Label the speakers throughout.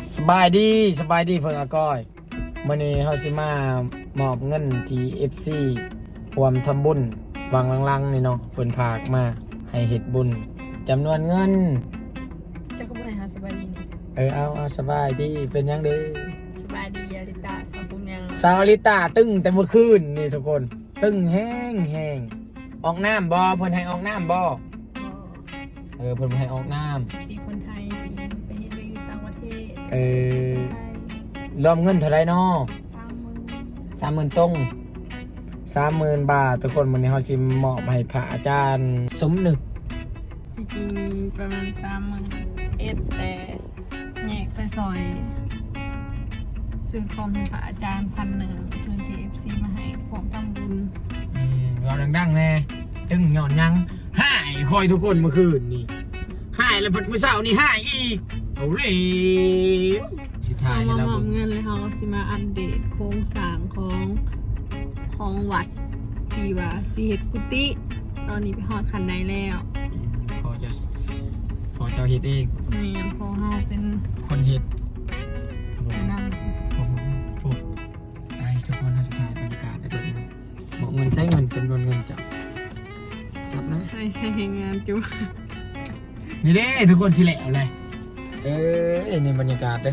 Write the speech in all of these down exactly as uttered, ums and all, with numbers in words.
Speaker 1: สบายดีสบายดีเพิ่งอาก้อยมื้อนี้เฮาสิมามอบเงินที่ เอฟ ซี รวมทำบุญวางลังๆนี่เนาะเพิ่นพากมาให้เฮ็ดบุญจำนวนเงิน
Speaker 2: จะก็บ่ให้หาสบายดีนี่
Speaker 1: เออเอาเอาสบายดีเป็นยังเด้อ
Speaker 2: สบายดีอาริตาสาวผมยัง
Speaker 1: สาวลิตาตึ้งแต่เมื่อคืนนี่ทุกคนตึ้งแห้งแห้งออกน้ำบ่เพิ่นให้ออกน้ำบ่เออเพิ่นให้ออกน้ำ
Speaker 2: สี่คนไทยปีไปเฮ็ดไปอยู่ต่างประเทศ
Speaker 1: เออรวมเงินเท่าไรเนาะสามหมื่นตรงสามหมื่นบาททุกคนวันนี้เขาชิมมอบให้พระอาจารย์สมนึก
Speaker 2: จริงๆมีประมาณสามหมื่นเอ็ดแต่แยกไปซอยซื้อคอมให้พระอาจารย์พันหนึ่งเพื่อที่เอฟซีมาให้ของทำบุญ
Speaker 1: อืมยอดดังๆแน่ตึงหย่อนยังหายคอยทุกคนเมื่อคืนนี่หายแล้วเมื่อเช้านี่หายอีกเอาเลยสิทายให้เรา
Speaker 2: มอบเงินเลยเขาสิมาอัปเดตโครงสร้างของของวัดที่ว่าสิเฮ็ดกุฏิตอนนี้ไปฮอดคันใดแล้ว
Speaker 1: พอจะพอจะเฮ็ดเอง
Speaker 2: นี่พอเฮาเป็น
Speaker 1: คนเฮ็ด
Speaker 2: ไปนำ
Speaker 1: โอ้โหไปทุกคนสุดท้ายบรรยากาศได้ดูบอกเงินใช้เงินจำนวนเงินจับจับนะ
Speaker 2: ใช่ใช่งานจุ
Speaker 1: นี่เด้ทุกคนสิแหลวเลยเออนี่บรรยากาศเด้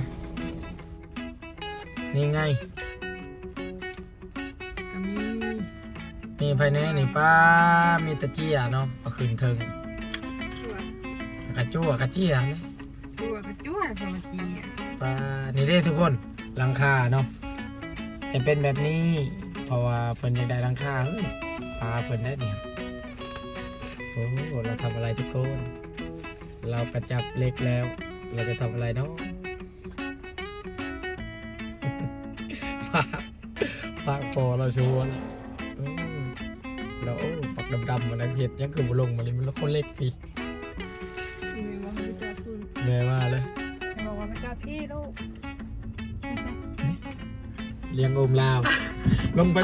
Speaker 1: นี่ไง
Speaker 2: ก็มี
Speaker 1: มีภายในนี่ป้ามีตะเจียเนาะเอาขึ้นเทิงกระจั่วกระเจียเลย
Speaker 2: จั่วกระจั่วพอจี
Speaker 1: ป้านี่เด้ทุกคนหลังคาเนาะจะเป็นแบบนี้เพราะว่าเพิ่นอยากได้หลังคาเฮ้ยปลาเพิ่นได้เนี่ยโอ้เราทำอะไรทุกคนเรากระจับเล็กแล้วเราจะทำอะไรเนาะปากปากพอเราชวนแล้วปักดำๆมันเห็ดยังคือบุลงมาเลยมันคนเล็กพี่แม่มาเลย
Speaker 2: บอกว่าไม่กล้าพี่ลูกไม่ใช่
Speaker 1: เลี้ยงโอมลาวลงไป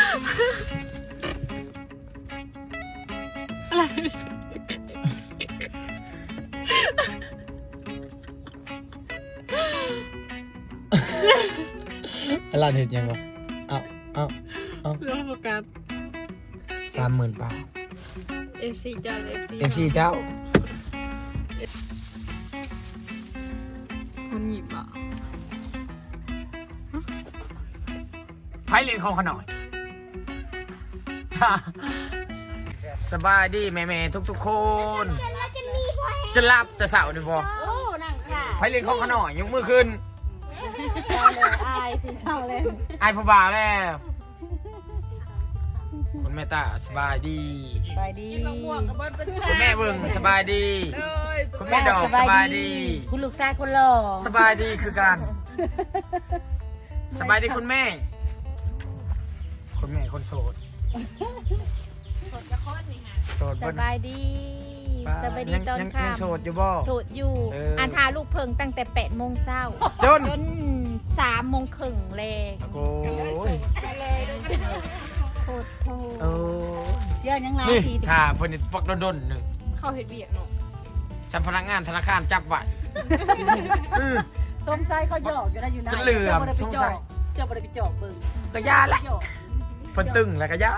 Speaker 2: อะไร
Speaker 1: อะไรเห็ดยังวะเอาเอาเอา
Speaker 2: เรื่องโฟกัส
Speaker 1: สามหมื่นบาท
Speaker 2: เอฟซีเจ้าเอฟซี
Speaker 1: เอฟซีเจ้า
Speaker 2: คนหยิบอ่ะ
Speaker 1: ไพ่เล่นของขน่อยสบายดีแม่ๆทุกๆคนจะรับแต่เสาร์นี่พอไพ่เล่นของขน่อยยกมือขึ้น
Speaker 2: อายพี่เช่าเลย
Speaker 1: อายผู้บ่าวแล้วคุณแม่ตาสบายดี
Speaker 2: สบายดี
Speaker 1: คุณแม่เบิ่งสบายดีคุณแม่ดอกสบายดี
Speaker 2: คุณลูกชายคนหล่อ
Speaker 1: สบายดีคือกันสบายดีคุณแม่คุณแม่คนโสด
Speaker 2: โสดจะคลอดนี่ค่ะ
Speaker 1: โสด
Speaker 2: สบายดีสบายดีตอนค่
Speaker 1: ำโสดอยู่บ่
Speaker 2: โสดอยู่อันทาลูกเพิงตั้งแต่แปดโมงเช้า
Speaker 1: จน
Speaker 2: จนสามโมงครึ่งเลย
Speaker 1: โอ้ย
Speaker 2: โคตรโคตรเชื่อยังไงที
Speaker 1: ถ้าเพิ่นฟักโดนๆหนึ่ง
Speaker 2: เข้าเฮ็ดเวียกเนาะ
Speaker 1: สัมพนักงานธนาคารจับไว้
Speaker 2: สงสัยเขาหยอกอยู่นะอยู่นะ
Speaker 1: จะเหลือมสงสัย
Speaker 2: เจ้าบ่ได้ไปจอกเบิ่ง
Speaker 1: ก็ยาแหละเพิ่นตึงแล้วก็ยา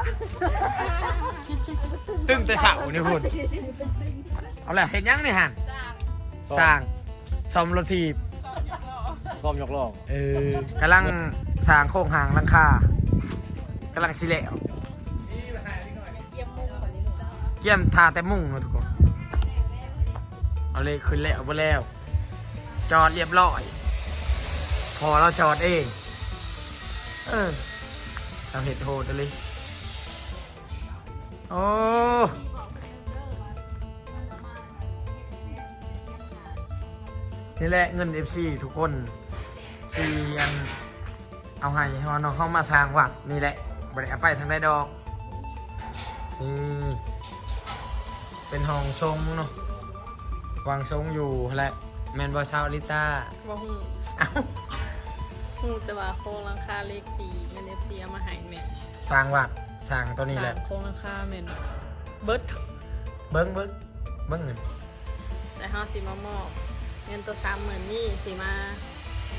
Speaker 1: ตึงแต่เสานี่พุ่นเอาล่ะเฮ็ดยังนี่หั่นสร้างซ่อมรถถีบ
Speaker 3: ซ่อมยกล้อ
Speaker 1: เออกำลังสร้างโครงหางหลังคากำลังสิแล้วเกี่ยมทาแต่มุ่งนะทุกคนเอาเลยขึ้นแล้วบ่แล้วจอดเรียบร้อยพอเราจอดเองเออเราเห็ดโหดเลยโอ้นี่แหละเงิน เอฟ ซี ทุกคนซีอันเอาให้เขาน้องเข้ามาสร้างวัดนี่แหละบริเอาไปทางได้ดอกนี่เป็นห้องทรงเนาะวางทรงอยู่แหละแมนบอชาวลิต้า
Speaker 2: บ่ฮู้เอ้าฮู้แต่ว่าโครงหลังคาเล็กดีเงิน เอฟ ซี เอามาให้แม่
Speaker 1: สร้างวัดสร้างตัวนี้แหละ
Speaker 2: โครงหลังคาแม่นเบิด
Speaker 1: เบิ้งเบิ้งเบิ้งเงิน
Speaker 2: แต่เฮาสิมามอบเงินตัวสามหมื่นนี่สิมา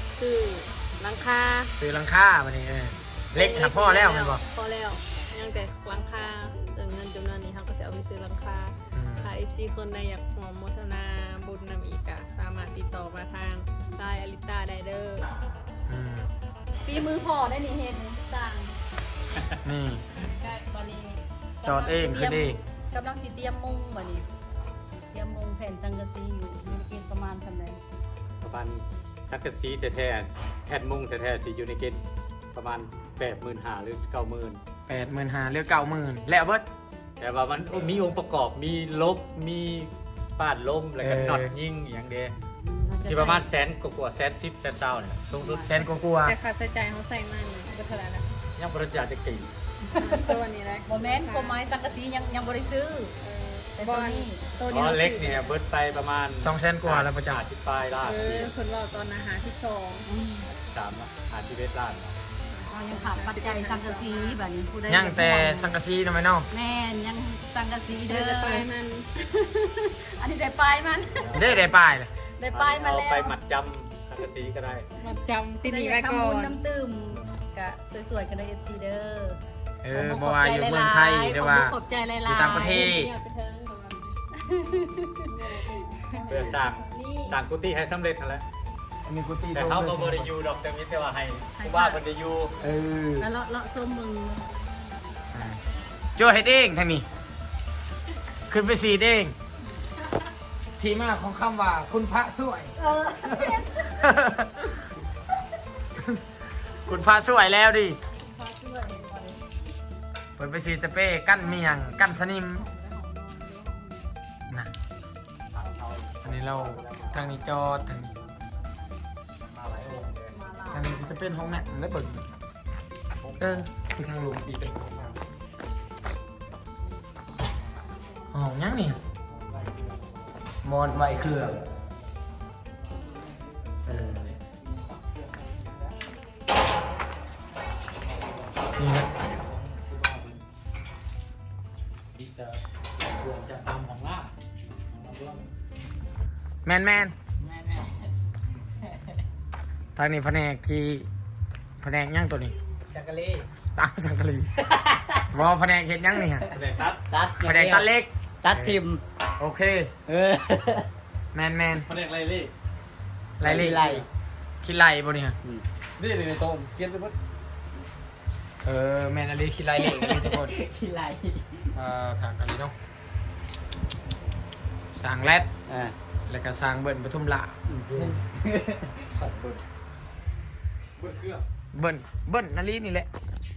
Speaker 2: หลังคา
Speaker 1: ซื้อหลังคาบัดนี้เออเล็กหาพ่อแล้วแมันบ่
Speaker 2: พอแล้วยังแต่หลังคาแต่เงินจำนวนนี้เขาก็จะเอาไปซื้อหลังคา
Speaker 1: อืม
Speaker 2: ถ้า เอฟ ซี คนใดอยากหอมโมทนาบุญนำอีกอะสามารถติดต่อมาทางไลน์อลิต้าไดเดอร์
Speaker 1: อืม
Speaker 4: ปีมือพ่อได้นี่เห็นต่าง
Speaker 1: นี่
Speaker 4: ได้วันนี้
Speaker 1: จอดเองคือเอง
Speaker 4: กำลังสิเตรียมมุงวันนี้เตรียมมุงแผ่นสังกะสีอยู่มีเกณฑ์ประมาณเท่าไหร่
Speaker 3: ประมาณสักกะสีแท้ๆแผ่นมุ้งแท้ๆสีอยู่ในเกณฑ์ประมาณแปดหมื่นห้าหรือเก้าหมื่น
Speaker 1: แปดหมื่นห้าหรือเก้าหมื่นแล้วเบิด
Speaker 3: แต่ว่ามันมีองค์ประกอบมีลบมีปาดลมแล้วก็
Speaker 1: เออ
Speaker 3: น็อตยิงอย่างเดียวที่ประมาณแสนกว่าๆแสนสิบแสนเจ้าเนี่ยสูงสุด
Speaker 1: แสนกว่า
Speaker 2: แต่ค่าใช้จ่ายเขาใส่มันก็เท่าไหร่ละ
Speaker 3: ยังบริจาคจะกี่
Speaker 2: ตัวนี้เลย
Speaker 4: โมเมนต์กฎหมายสังกะสียังยังบริซื้อ แต่
Speaker 2: บ
Speaker 4: ตั
Speaker 2: อ
Speaker 4: ว
Speaker 2: ล
Speaker 4: นี้
Speaker 2: ตัว
Speaker 3: อ๋
Speaker 2: นี้
Speaker 3: อ
Speaker 2: เขา
Speaker 3: เล็กเนี่ยเบิร์ดไปประมาณ
Speaker 1: สองแสนกว่าแล้วประจักษ์
Speaker 3: ที่ปลายล้าน
Speaker 2: เออคนรอตอนอาหารที่สอง
Speaker 4: อืม
Speaker 3: สามอาทิตย์เวทล้าน
Speaker 4: เรายังขาดปัจจัยสังกะสีแบบนี้ผู้ใด
Speaker 1: ๆยังแต่สังกะสีทำไมเนาะ
Speaker 4: แม่นยังสังกะสี
Speaker 2: เดิ
Speaker 4: เด้
Speaker 2: น
Speaker 4: อ
Speaker 2: ไปมัน
Speaker 4: อันนี้ได้ปลายมัน
Speaker 1: ได้ได้ป้ายเลย
Speaker 4: ได้ปลายมา
Speaker 3: เอา
Speaker 4: แล้ว
Speaker 3: ไปหมัดจำสังกะสีก็ได้
Speaker 2: มาจำติดหนีไว้ก่อ
Speaker 4: ทำบุญ
Speaker 2: น
Speaker 4: น้ำตื้มกะสวยๆกันเลย เอฟ ซี เด้อ
Speaker 1: เออบ่ว่าอยู่เมืองไทยหรือว่า
Speaker 4: ขอบใจหลายๆ
Speaker 1: อยู่ต่างประเทศ
Speaker 2: อยากไปเทิงก่อน
Speaker 3: เพื่อสร้างสร้างกุฏิให้สำเร็จนั่นแหละ
Speaker 1: มีกุฏิ
Speaker 3: แต่
Speaker 1: โซ่
Speaker 3: เขาก็บริยูดอกแต่มิแต่ว่าให้ผู้ว่าบริยู
Speaker 1: เออ
Speaker 4: แล้วเลาะเลาะส้มมึง
Speaker 1: อ่าโจ้เฮ็ดเองทางนี้ ขึ้นไปสีดเอง ที่มาของคำว่าคุณพระสวย
Speaker 4: เออ
Speaker 1: คุณพระสวยแล้วดิเปิดไปสีสเปรย์กั้นเมียง กั้นสนิมนะอันนี้เราทางนี้จอดทางนี้ทางนี้จะเป็นห้องน้ำและเบิกเออคือทางลงปีกเลยห้องยังนี่มอนไหวเครื่องเออนี่นะ
Speaker 3: จะตามของล่า
Speaker 1: แมนแมนทางนี้แผนกที่แผนกย่างตัวนี้
Speaker 3: จักรี
Speaker 1: ตามสังกะรีวอแผนกเห็ดย่างนี่ฮะ
Speaker 3: แผนกตัด
Speaker 5: ตัด
Speaker 1: แผนกตัดเล็ก
Speaker 5: ตัดทิม
Speaker 1: โอเค
Speaker 5: เออ
Speaker 1: แมนแมน
Speaker 3: แผนกไรเล่
Speaker 1: ไรเล่
Speaker 5: ไร
Speaker 1: คิดไรบ่นี่ฮะ
Speaker 3: นี่ในโต๊ะเขียนไปหมด
Speaker 1: เออแมนอะไรคิดไรเล่นี่ทุกคน
Speaker 5: ขี้ไร
Speaker 1: เอ่อขากอะไรเนาะสร้างแรด
Speaker 5: อ่า
Speaker 1: แล้วก็สร้างเบิ้ลปทุมละ
Speaker 3: สัตว์เบิร์ดเบิร์ดเครื่อง
Speaker 1: เบิ้ลเบิ้ลนาลีนี่แหละ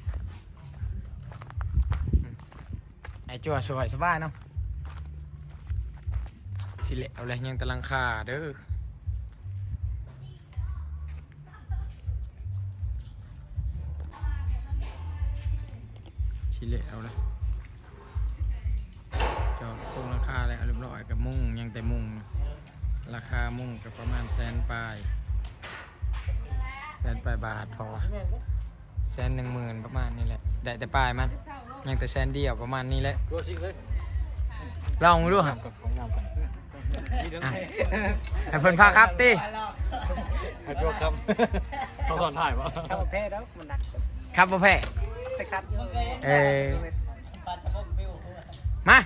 Speaker 1: อืมไอ้จั่วสวยสบายเนาะสิเละเอาเลยยังตะลังคาเด้อสิเละเอาเลยจอดโครงราคาแล้วเรียบร้อยกับมุ้งยังแต่มุ้งราคามุ้งกับประมาณแสนปลายแสนปลายบาทพอแสนหนึ่งหมื่นประมาณนี้แหละได้แต่ปลายมันยังแต่แสนเดียวประมาณนี้แหละ
Speaker 3: ตัวชิงเลย
Speaker 1: ลองดูครับ
Speaker 3: กับของงามกัน
Speaker 1: อ่ะแต่เพิ่นพาครับติ
Speaker 3: ให้ตัวคำเขาสอนถ่ายวะ
Speaker 5: เข้าแพ้แล้วมันหนัก
Speaker 1: ครับบ่แพ้
Speaker 5: ไปครับ
Speaker 1: เออมา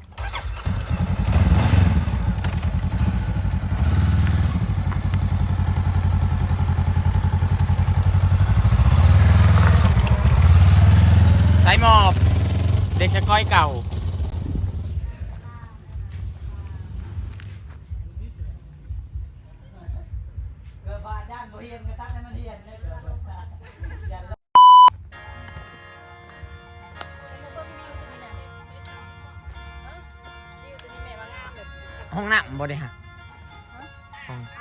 Speaker 1: สายหมอบเด็กชะก้อยเก่า
Speaker 5: เกิดบ้านย่านโบเฮียนกระตัดให้มันเฮียนได้เกิดบ้านย่าน
Speaker 1: ห้องน้ำบ่ได้ฮะห้อง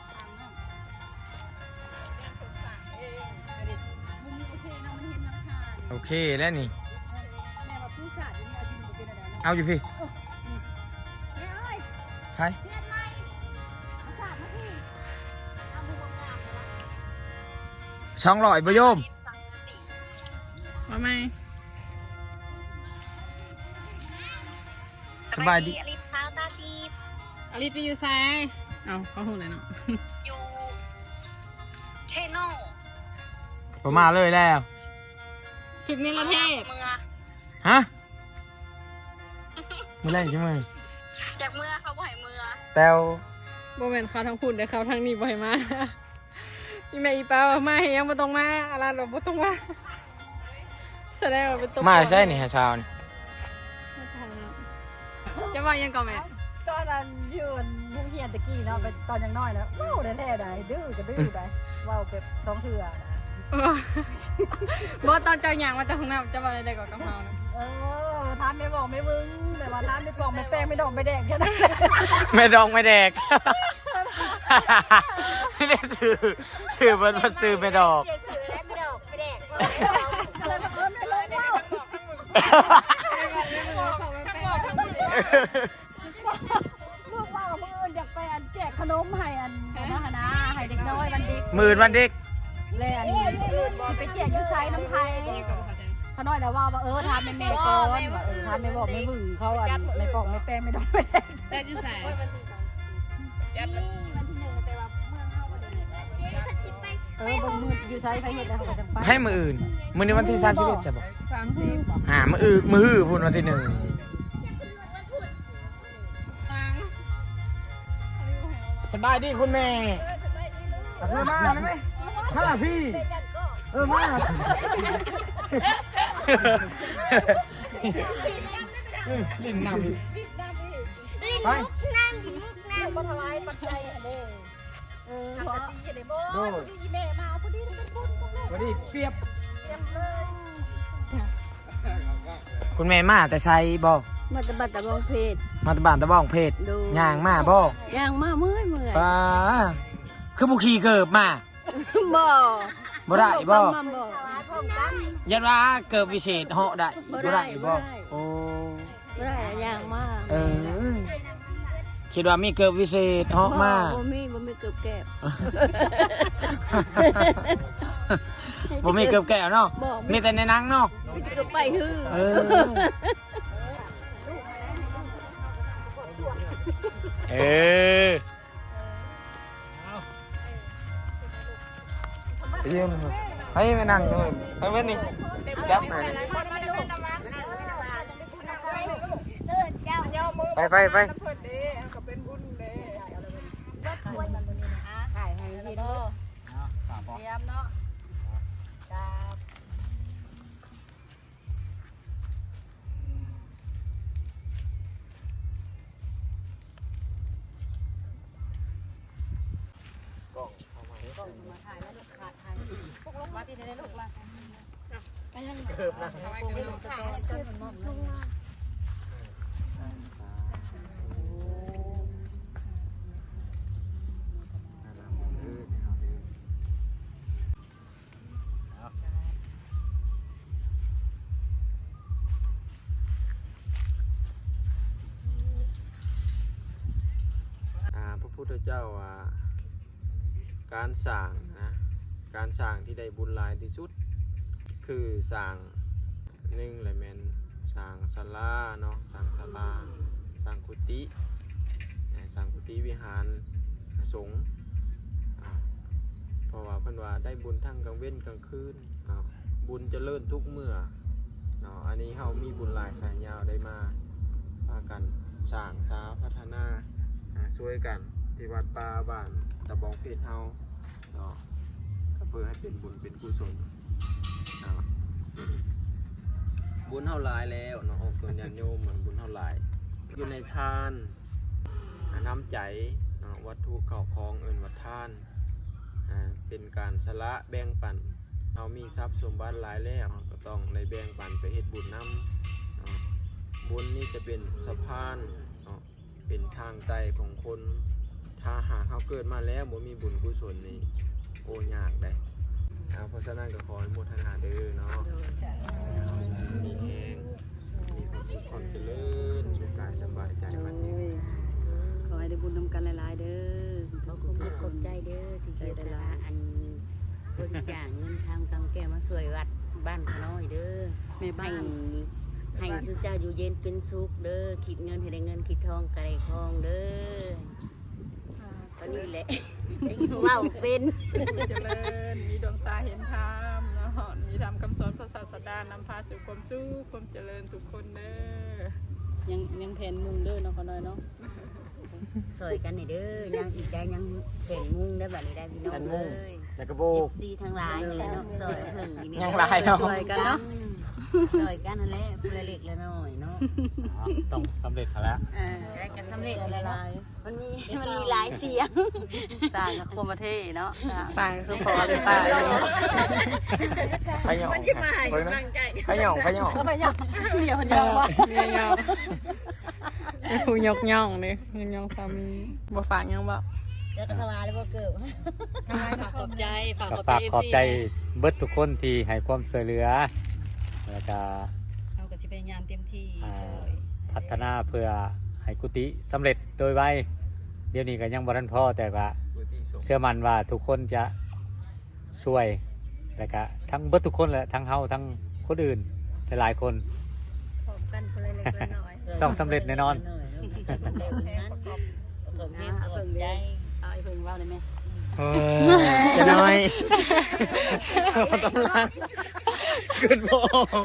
Speaker 1: โอเคแล้วนี่ เอาอยู่พี่ใครสองร้อยบโยม
Speaker 2: ว่าไหม
Speaker 1: สบายดี
Speaker 6: อลิซาวตาซี
Speaker 2: อลิสไปอยู่ซ้ายเอาเขาหูเลยเนาะ
Speaker 6: อยู่เทโน
Speaker 1: ผมมาเลยแล้ว
Speaker 2: ถึงนี่ละเทศ
Speaker 1: ฮะมือแรกใช่ไหม
Speaker 6: จากเมื่อเขาบ่ให้เมื่อ
Speaker 1: แต้ว
Speaker 2: โมเมนต์เขาทั้งพูดแต่เขาทั้งนี้บ่อยมาอีแม่อีป้าว่ามาเฮียังบ่ต้องมาอะไรหรอกบ่ต้องมาแสดงว่าเป็นตัว
Speaker 1: มาใช่นี่ฮะชาวนี่
Speaker 2: จะว่ายังก่อนแม่
Speaker 4: ตอนนั้นยืนโรงเรียนตะกี้เนาะเป็นตอนยังน้อยนะว้าวแท้ๆได้ดื้อก็ดื้อได้ว้าวแบบสองเถื่อ
Speaker 2: บ่ตอนเจ้าหยางมาจากห้องน้ำจะว่าอะไรได้ก่อนกับเฮานะ
Speaker 4: เออทานไม่บอกไม่มึงแต่ว่าทานไม่กล่องไม่แป้งไม่ดองไม่แดงแค่นั้น
Speaker 1: ไม่ดองไม่แดก ไม่ได้ซื้อซื้อเพิ่นมาซื้อไม่ดอก
Speaker 4: ไม่ดอกไม่แดงเลยเออไม่เลยว้าวลูกว่ามืออื่นอยากไปอันแจกขนมให้อันนะฮะนะให้เด็กน้อยวันเด็ก
Speaker 1: หมื่นวันเด็ก
Speaker 4: เลยอันนี้สิไปแจกยูไซน้ำไทยเขาน้อยแล้วว่าว่าเออทานไม่แม่ก่อนว่าเออทานไม่บอกไม่บึ้งเขาอันไม่ปอกไม่แป้งไม่ดองไม่แดง
Speaker 2: แต่อยู่ใส่
Speaker 4: เออบางมือยูไซไปเห็ดแล้วเขาก็จะไป
Speaker 1: ให้มืออื่นมื้อนี้วันที่สามสิบเอ็ดใช่ปะ
Speaker 2: สามสิบ
Speaker 1: หามืออื่นมือหื้อพูดวันที่หนึ่ง
Speaker 2: ตัง
Speaker 1: สบายดีคุณแม่เออมาได้ไหมมาพี่เออมาลิ้นนำไป
Speaker 4: ก็ถวายปัจจัยอันนี้เออขอซีเดโบที่แม่มาพอดีเป็นบุญพวกนี้
Speaker 1: พอดีเปียบ
Speaker 4: เต็มเลย
Speaker 1: คุณแม่มาแต่ใช้บ่
Speaker 6: มาตะบัดตะบองเพชร
Speaker 1: มาแตบ้านตะบ้องเพชร
Speaker 6: ดู
Speaker 1: ย่างมาบ่
Speaker 6: ย่างมาเมื่อยเมื่อย
Speaker 1: ป้าคือบุขี่เกิบมา
Speaker 6: บ่
Speaker 1: บ่ได้บ่
Speaker 6: มาบ่
Speaker 4: พร้อมกัน
Speaker 1: ยันว่าเกิบวิเศษเหาะได้บ่ได้บ่โอ้
Speaker 6: บ่ได้ย่างมา
Speaker 1: เออคิดว่ามีเกิบวิเศษเหาะมา
Speaker 6: บ่มีบ่มีเกือบแก็บ
Speaker 1: บ่มีเกิบแก้วเนาะ
Speaker 6: บ่
Speaker 1: มีแต่ในหนังเนาะ
Speaker 6: มีแต่เกือบไปฮือ
Speaker 1: เออเออเยี่ยมครับให้ไปนั่งเลยไปเว้นนี่จับมานี่ไปไปไป
Speaker 4: ถ่ายให้เห็นเด้อเตรียมเนาะครับ
Speaker 1: อ่าพระพุทธเจ้าว่า การสร้างนะการสร้างที่ได้บุญหลายที่สุด คือสร้างหนึ่งเลยแมนสร้างศาลาเนาะสร้างศาลาสร้างกุฏิสร้างกุฏิวิหารสงฆ์อ่าเพราะว่าเพิ่นว่าได้บุญทั้งกลางเว้นกลางคืนเนาะบุญเจริญทุกเมื่อเนาะอันนี้เฮามีบุญหลายสายยาวได้มาพากันสร้างสาพัฒนาอ่าช่วยกันที่วัดป่าบ้านตะบองเพชรเฮาเนาะก็เพื่อให้เป็นบุญเป็นกุศลเนาะ บุญเท่าหลายแล้วเนาะออกตัวญาติโยมเหมือนบุญเท่าหลายอยู่ในทานอ่าน้ำใจเนาะวัตถุเข้าของเอิ้นวัดทานอ่าเป็นการสละแบ่งปันเรามีทรัพย์สมบัติหลายแล้วเราก็ต้องในแบ่งปันไปเฮ็ดบุญนำเนาะบุญนี่จะเป็นสะพานเนาะเป็นทางไต่ของคนถ้าหากเขาเกิดมาแล้วบ่มีบุญกุศลนี่โอ้ยากได้เอาเพราะฉะนั้นก็ขออนุโมทนาเด้อเนาะมีแหงมีความสุขความเจริญสุขกายสบายใจมันยืน
Speaker 6: ขอให้ได้บุญนำกันหลายๆเด้อ
Speaker 7: ขอขอบคุณขอบใจเด้อที่เจตนาอันบริจาคเงินทำกำแก้มาสวยวัดบ้านขน้อยเด้อ
Speaker 6: แม่บ้า
Speaker 7: ให้
Speaker 6: น
Speaker 7: ให้สุเจ้าอยู่เย็นเป็นสุขเด้อคิดเงินให้ได้เงินคิดทองกระไรทองเด้อก็นี่แหละ ว้าวเป็น
Speaker 2: เจริญมีดวงตาเห็นธรรมเนาตามคำสอนพระศาสดานำพาสู่ความสุขความเจริญทุกคนเด้อ
Speaker 6: ยังยังแผนมุงเด้อเนาะเขาน้อยเนาะ
Speaker 7: สวยกันนี่เด้อยังอีกได้ยังแผ่นมุงได้แบบนี้ได้พี่น้องเลย
Speaker 1: แล้วก็โบ
Speaker 7: เอก ฟซีทั้งหลายนี่แหละเนาะซอยเพิ่งนี่
Speaker 1: ยังหลายเนาะ
Speaker 6: สวยกันเนาะ
Speaker 7: ซอยกันนั่นแหละผู้ละเล็กละน้อยเนาะ
Speaker 3: อ๋อต้องสำเร็จแล้ว
Speaker 6: อ่า
Speaker 7: ได้กันสำเร็จเลยเนาะมันมีมันมีหลายเสียง
Speaker 6: สร้างกับโคมเทเนาะ
Speaker 2: สร้างคือพอเลยตาย
Speaker 1: พะหยองพะหยองพะหยองพะหยอง
Speaker 6: ก็ไปยังเดี๋ยวเดี๋ยวว่า
Speaker 2: เนี่ยยองผู้ยกย่องเลยยกย่องสามีบ่ฝากยังบ่
Speaker 7: เดี๋ยวก็ทวารเลยบ่เกิด
Speaker 6: ขอบใจฝาก
Speaker 3: ก็
Speaker 6: ขอบ
Speaker 3: ฝาก
Speaker 6: ใจ
Speaker 3: ขอบใจเบิดทุกคนที่ให้ความช่วยเหลือแล้วก็
Speaker 6: เอาก็สิพยายามเต็มที่
Speaker 3: อ่า
Speaker 6: ช่วย
Speaker 3: พัฒนาเพื่อให้กุฏิสำเร็จโดยไวเดี๋ยวนี้ก็ยังบ่ทันพอแต่ว่าเชื่อมั่นว่าทุกคนจะช่วยแล้วก็ทั้งเบิดทุกคนแหละทั้งเฮาทั้งคนอื่นหลายๆคน
Speaker 2: พร้อมกันคนละเล็กละน้อย
Speaker 3: ต้องสำเร็จแน่นอน
Speaker 7: เร็วนั้นผมแม่ปวดใจ
Speaker 6: เอาไอ้เพิ่งเล่าได้ไหม
Speaker 1: เออจะน้อยกำลังขึ้นโบ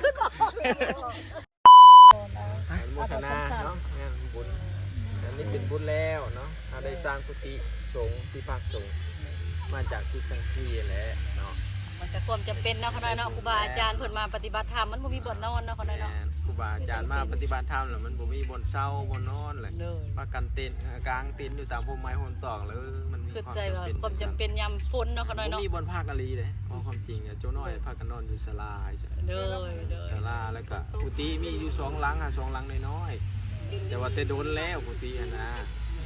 Speaker 1: โมทนาเนาะงานบุญอันนี้เป็นบุญแล้วเนาะเราได้สร้างกุฏิสงฆ์ที่พักสงฆ์มาจากที่ทั้งที่แหละเนาะ
Speaker 6: มันก็ความจำเป็นเนาะเขาน้อยเนาะครูบาอาจารย์เพิ่นมาปฏิบัติธรรมมันบ่มีบ่อนนอนเนาะเขาน้อยเนาะ
Speaker 8: ครูบาอาจารย์มาปฏิบัติธรรมแล้วมันบ่มีบนเศร้าบนนอนเลย
Speaker 6: เด้อ
Speaker 8: มากันเต็นท์กลางเต็นท์อยู่ตามพมไม้โหนตอกแล้วมันมี
Speaker 6: คือ
Speaker 8: ความ
Speaker 6: ใจว่า
Speaker 8: จำเป็น
Speaker 6: ความจำเป็นยามฝนเนาะเขาน้อย
Speaker 8: บ่
Speaker 6: เนาะ
Speaker 8: มีบนภาคกะลีเลยเอาความจริงเนี่ยโจ้น้อยพากันนอนอยู่ศาลาใช่
Speaker 6: เด้อเด้อ
Speaker 8: ศาลาแล้วก็กุฏิมีอยู่สองหลังอ่ะสองหลังน้อยๆแต่ว่าแต่โดนแล้วกุฏิอะนะ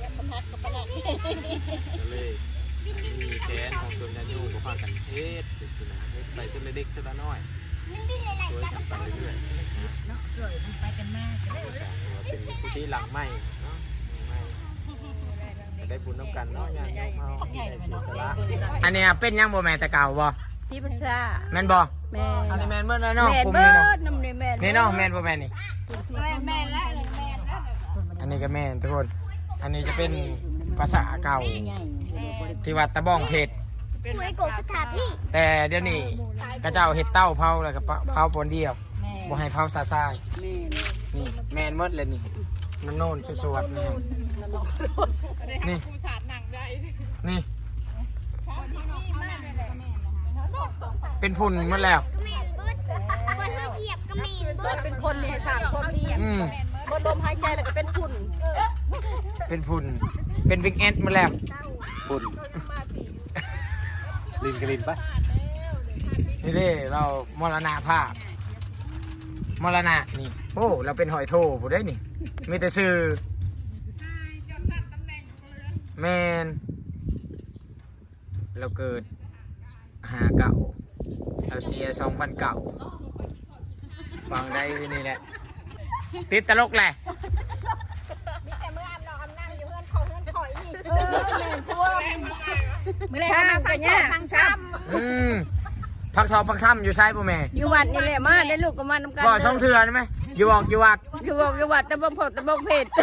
Speaker 8: ก็เลยมีแขนของตัวญาติโยมก็พากันเฮ็ดจังซี่นะเฮ็ดไปจนเล็กๆจนละน้อยช่วยกันไปเรื่อยๆ
Speaker 7: เนาะสวยมันไปกันมาก
Speaker 8: เป็นกุฏิหลังใหม่เนาะหลังใหม่ได้บุญน้ำกันเนาะญาติโยมเฮาได้เสียสละ
Speaker 1: อันเนี้ยเป็นยังบ่แม่แต่เก่าบ่
Speaker 2: พี่ภาษา
Speaker 1: แม่นบ่
Speaker 2: แม่
Speaker 1: อันนี้แม่นเมื่อไรเนาะ
Speaker 2: แม่
Speaker 1: คุม
Speaker 2: เบิ
Speaker 1: นี่เนาะ
Speaker 2: ดน้ำในแม่
Speaker 1: นี่เนาะแม่นบ่แม่นนี่
Speaker 2: แม่แม่แล้วแม่แล้ว
Speaker 1: อันนี้ก็แม่นทุกคน อันนี้จะเป็นภาษาเก่าที่วัดตะบ้องเพชร
Speaker 2: เป็นไอ้กบสถาพี่
Speaker 1: แต่เดี๋ยวนี้กระเจ้าเฮ็ดเต้าเผาแล้วก็เผาปนเดียวบ่ให้เผาซาซาย
Speaker 6: แม่
Speaker 1: นี่แม่นหมดเลยนี่น้ำโน่นสวดๆนี่ครับนี่
Speaker 2: ผู้สาดหนังได้
Speaker 1: นี่ เป็นพุ่นหมดแล้ว
Speaker 4: เป็นคนเนี่ยสามคนนี่
Speaker 1: อืม
Speaker 4: บนลมหายใจแล้วก็เป็นฝุ่น
Speaker 1: เป็นพุ่นเป็นบิ๊กแอดหมดแล้ว
Speaker 3: ปุ่นลินกลินปะ
Speaker 1: นี่เด้เรามรณะภาพมรณะนี่โอ้เราเป็นหอยโถผู้ได้นี่มีแต่ซื้อแมนเราเกิดหาเก่าเราเสียสองพันเก่าบางได้ที่นี่แหละติดตลกแหละ
Speaker 4: ไม่ได้มาฟังเนี่ยฟังซ้
Speaker 1: อืมพักทองพักถ้ำอยู่ซ้ายป่ะแม่
Speaker 4: ำอยู่วัดนี่แหละมาได้ลูกก็มาน้ำกัน
Speaker 1: บ่ช่องเถื่อนไหมอยู่บอกอยู่วัด
Speaker 4: อยู่บอกอยู่วัดตะบงผดตะบงเผ็ด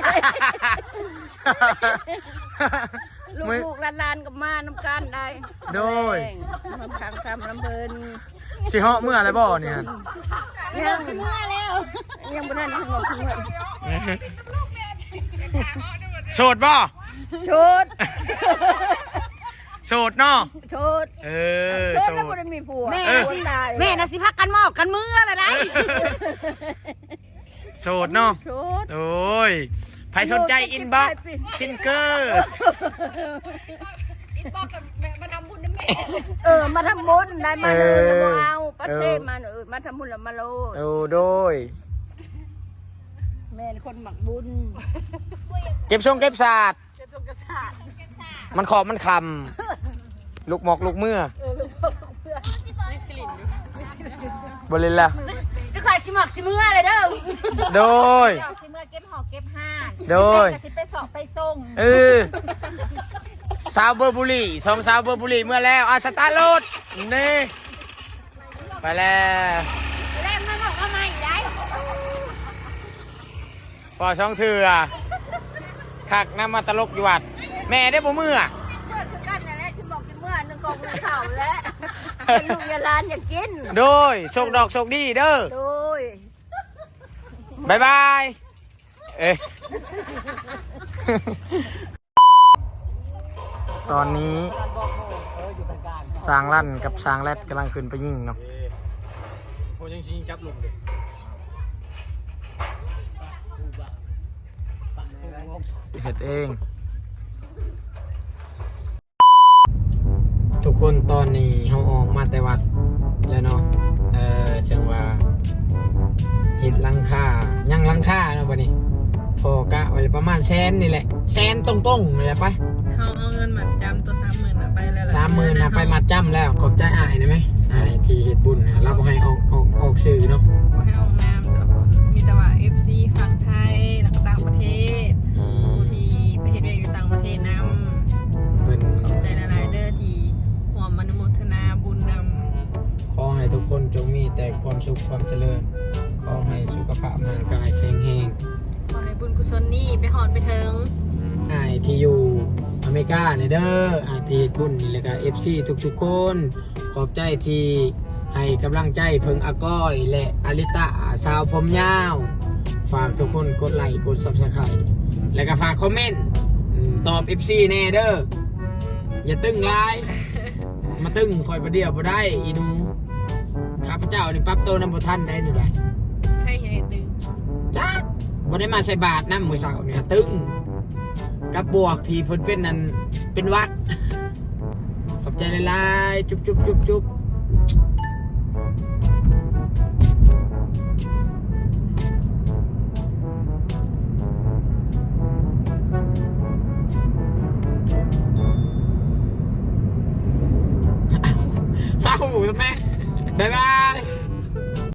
Speaker 4: ลูกๆหลานๆก็มาน้ำกันได้
Speaker 1: โดย
Speaker 4: มาฟังคำลำเพลิน
Speaker 1: สิเหาะเมื่อไรบ่เนี่ย
Speaker 4: ยังสิเมื่อแล้วยังบ่ทันถึงบอกถึงว่า
Speaker 1: โสดบ่
Speaker 4: ชุด
Speaker 1: โสดเนาะ
Speaker 4: ชุด
Speaker 1: เออ
Speaker 4: ชุด
Speaker 1: โส
Speaker 4: แล้ว
Speaker 1: ด
Speaker 4: บ่ได้มีผัว
Speaker 6: แม่
Speaker 4: เออ
Speaker 6: สิ
Speaker 4: ตาย
Speaker 6: แม่น่ะสิพักกันหมอบกันมือละได้
Speaker 1: โสดเนาะ
Speaker 4: ชุด
Speaker 1: โอ้ยใครสนใจอินบ็อกซิงเกอร์
Speaker 4: เออมาทำบุญได้มาเลยแล้วบ่เอาปัดเซมาเออมาทำบุญแล้วมาโลด
Speaker 1: โอ้โดย
Speaker 4: แม่นคนหมักบุญ
Speaker 1: เก็บทรงเก็บศาสตร์มันขอบมันคำลูกหมอกลูกเมื่อบริลละ
Speaker 6: สิขายสิหมักสิมือเลยเด้อ
Speaker 1: โดย
Speaker 2: สิเมื่อเก็บหอกเก็บห้าน
Speaker 1: โดย
Speaker 2: สิไปสอบไปส่ง
Speaker 1: เออสาวเบอร์บุรีสองสาวเบอร์บุรีเมื่อแล้วอาสตาร์ทรถนี่ไปแล้ว
Speaker 4: แล่มาบอกว่าไม่ได้
Speaker 1: ปอช่องเถื่อคักน้ำมาตลกอยู่วัดแม่ได้บ่มือ
Speaker 4: เกิดคือกันนั่นแหละฉันบอกกินเมื่อนึงกองเงินเข่าแล้ว
Speaker 7: อย่าลูกอย่าหลานอย่ากิน
Speaker 1: โดยโชคดอกโชคดีเด้อ
Speaker 7: โดย
Speaker 1: บายบายเอ้ย ตอนนี้สร้างลั่นกับสร้างแรดกำลังขึ้นไปยิงเนาะ
Speaker 3: โอ้ยังชิงจับลงเลย
Speaker 1: เฮ็ดเอง ทุกคนตอนนี้เขาออกมาแต่วัดแล้วเนาะเออจังว่าเห็ดหลังคายังหลังคาเนาะบัดนี้พอกะไว้ประมาณแสนนี่แหละแสนตรงๆนี่แหละไป
Speaker 2: เขาเอาเงินมัดจำตัวสามหมื่นไปแล้วล่ะ
Speaker 1: สามหมื่นนะไปมัดจำแล้วขอบใจอ้ายได้ไหมอ้ายที่เฮ็ดบุญนะเราบ่ให้ออกออกออกสื่อเนาะ
Speaker 2: บ่ให้ออกนามแต่ละคนมีแต่ว่า เอฟ ซี ฝั่งไทยแล้วก็ต่างประเทศผู้ที่ไปเฮ็ดเวียกอยู่ต่างประเทศนำ
Speaker 1: เพิ่น
Speaker 2: ขอบใจหลายๆเด้อที่ร่วมอนุโมทนาบุญนำ
Speaker 1: ขอให้ทุกคนจงมีแต่ความสุขความเจริญขอให้สุขภาพร่างกายแข็งแรง
Speaker 2: ขอให้บุญกุศลนี้ไปหอดไปถึง
Speaker 1: อ้ายที่อยู่อเมริกาเนี่ยเด้ออ้ายที่เฮ็ดบุญนี่แล้วก็ เอฟ ซี ทุกๆคนขอบใจที่ให้กำลังใจเพิ่งอาก้อยและอาริตะสาวผมยาวฝากทุกคนกดไลค์กด Subscribe แล้วก็ฝากคอมเมนต์อืมตอบ เอฟ ซี แน่เด้ออย่าตึงหลาย มาตึงคอยประเดี๋ยวบ่ได้อีหนูข้าพเจ้านี่ปรับตัวนำบ่ทันได้นี่ได้
Speaker 2: ใครเห็นตึง
Speaker 1: จักบ่ได้มาใส่บาตรนำมื้อเช้านี่ก็ตึงกับบวกที่เพิ่นเป็นนั่นเป็นวัด ขอบใจหลายๆจุ๊บจุ๊บจุ๊บจุ๊บ เศร้าทำไมบ๊ายบาย